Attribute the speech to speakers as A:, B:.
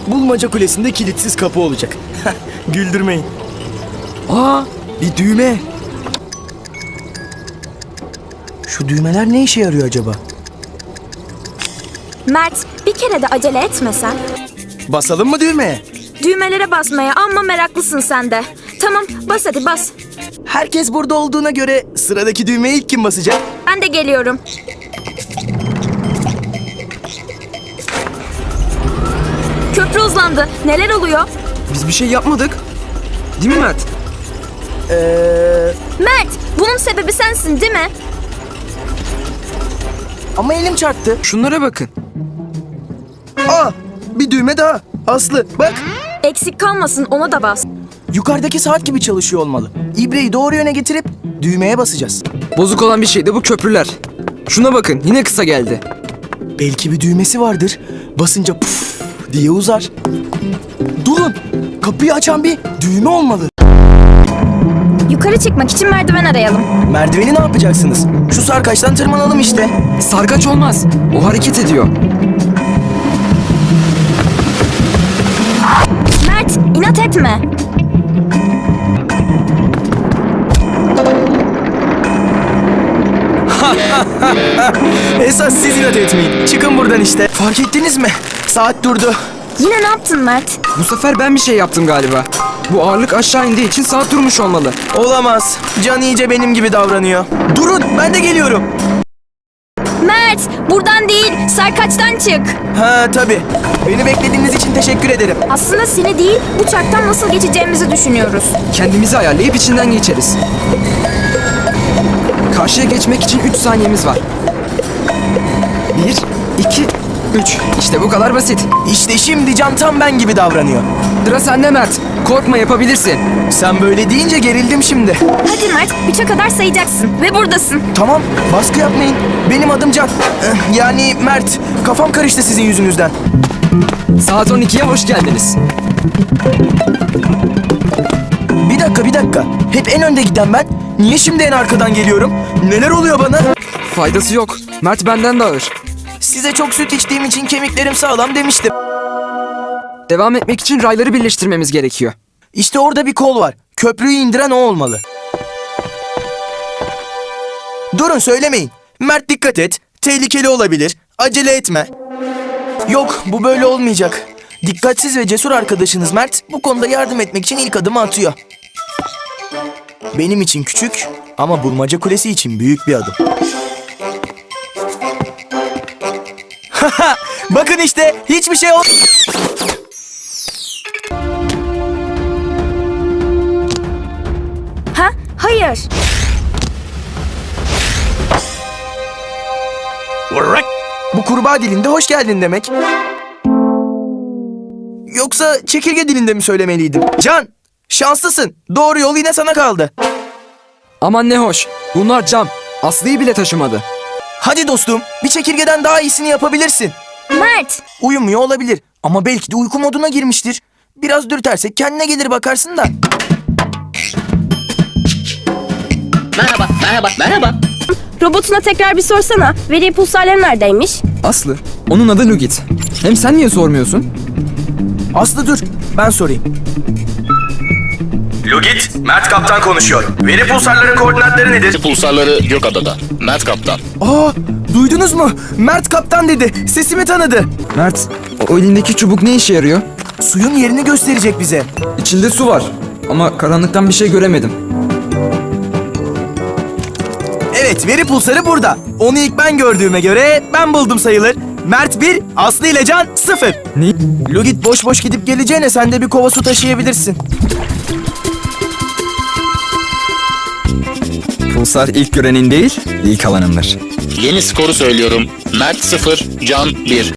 A: Bulmaca Kulesi'nde kilitsiz kapı olacak. Güldürmeyin. Aa, bir düğme. Şu düğmeler ne işe yarıyor acaba?
B: Mert, bir kere de acele etmesen.
A: Basalım mı düğmeye?
B: Düğmelere basmaya amma meraklısın sen de. Tamam, bas hadi bas.
A: Herkes burada olduğuna göre sıradaki düğmeye ilk kim basacak?
B: Ben de geliyorum. Köprü hızlandı. Neler oluyor?
C: Biz bir şey yapmadık. Değil mi Mert?
B: Mert, bunun sebebi sensin değil mi?
A: Ama elim çarptı.
C: Şunlara bakın.
A: Aa, bir düğme daha. Aslı bak.
B: Eksik kalmasın, ona da bas.
A: Yukarıdaki saat gibi çalışıyor olmalı. İbreyi doğru yöne getirip düğmeye basacağız.
C: Bozuk olan bir şey de bu köprüler. Şuna bakın, yine kısa geldi.
A: Belki bir düğmesi vardır. Basınca puf diye uzar. Durun. Kapıyı açan bir düğme olmalı.
B: Yukarı çıkmak için merdiven arayalım.
A: Merdiveni ne yapacaksınız? Şu sarkaçtan tırmanalım işte.
C: Sarkaç olmaz. O hareket ediyor.
B: Mert, inat etme.
A: Esas siz inat etmeyin. Çıkın buradan işte. Fark ettiniz mi? Saat durdu.
B: Yine ne yaptın Mert?
C: Bu sefer ben bir şey yaptım galiba. Bu ağırlık aşağı indiği için saat durmuş olmalı.
A: Olamaz. Can iyice benim gibi davranıyor. Durun, ben de geliyorum.
B: Mert, buradan değil, sarkaçtan çık.
A: Ha tabii. Beni beklediğiniz için teşekkür ederim.
B: Aslında seni değil, bu çarktan nasıl geçeceğimizi düşünüyoruz.
C: Kendimizi ayarlayıp içinden geçeriz. Karşıya geçmek için 3 saniyemiz var. 1, 2, 3. İşte bu kadar basit.
A: İşte şimdi Can tam ben gibi davranıyor.
C: Sıra sende Mert. Korkma, yapabilirsin.
A: Sen böyle deyince gerildim şimdi.
B: Hadi Mert, 3'e kadar sayacaksın ve buradasın.
A: Tamam, baskı yapmayın. Benim adım Can. Yani Mert. Kafam karıştı sizin yüzünüzden.
C: Saat 12'ye hoş geldiniz.
A: Bir dakika. Hep en önde giden ben. Niye şimdi en arkadan geliyorum? Neler oluyor bana?
C: Faydası yok. Mert benden de ağır.
A: Size çok süt içtiğim için kemiklerim sağlam demiştim.
C: Devam etmek için rayları birleştirmemiz gerekiyor.
A: İşte orada bir kol var. Köprüyü indiren o olmalı. Durun, söylemeyin. Mert dikkat et. Tehlikeli olabilir. Acele etme. Yok, bu böyle olmayacak. Dikkatsiz ve cesur arkadaşınız Mert bu konuda yardım etmek için ilk adımı atıyor. Benim için küçük ama Bulmaca Kulesi için büyük bir adım. Bakın işte, hiçbir şey olmadı.
B: Ha? Hayır.
A: Bu kurbağa dilinde hoş geldin demek. Yoksa çekirge dilinde mi söylemeliydim? Can, şanslısın. Doğru yol yine sana kaldı.
C: Aman ne hoş. Bunlar cam. Aslı'yı bile taşımadı.
A: Hadi dostum, bir çekirgeden daha iyisini yapabilirsin.
B: Mert,
A: Uyumuyor olabilir ama belki de uyku moduna girmiştir. Biraz dürtersek kendine gelir, bakarsın da.
D: Merhaba.
B: robotuna tekrar bir sorsana. Veri pulsarları neredeymiş?
C: Aslı. Onun adı Lugit. Hem sen niye sormuyorsun?
A: Aslı dur, ben sorayım. Lugit, Mert Kaptan konuşuyor. Veri pulsarların koordinatları nedir?
D: Pulsarları Gökada'da. Mert Kaptan.
A: Aa, duydunuz mu? Mert Kaptan dedi, sesimi tanıdı.
C: Mert, o elindeki çubuk ne işe yarıyor?
A: Suyun yerini gösterecek bize.
C: İçinde su var. Ama karanlıktan bir şey göremedim.
A: Evet, veri pulsarı burada. Onu ilk ben gördüğüme göre ben buldum sayılır. Mert 1, Aslı ile Can 0.
C: Ne?
A: Lugit boş boş gidip geleceğine sen de bir kova su taşıyabilirsin.
E: Pulsar ilk görenin değil, ilk alanındır.
D: Yeni skoru söylüyorum. Mert 0, Can 1.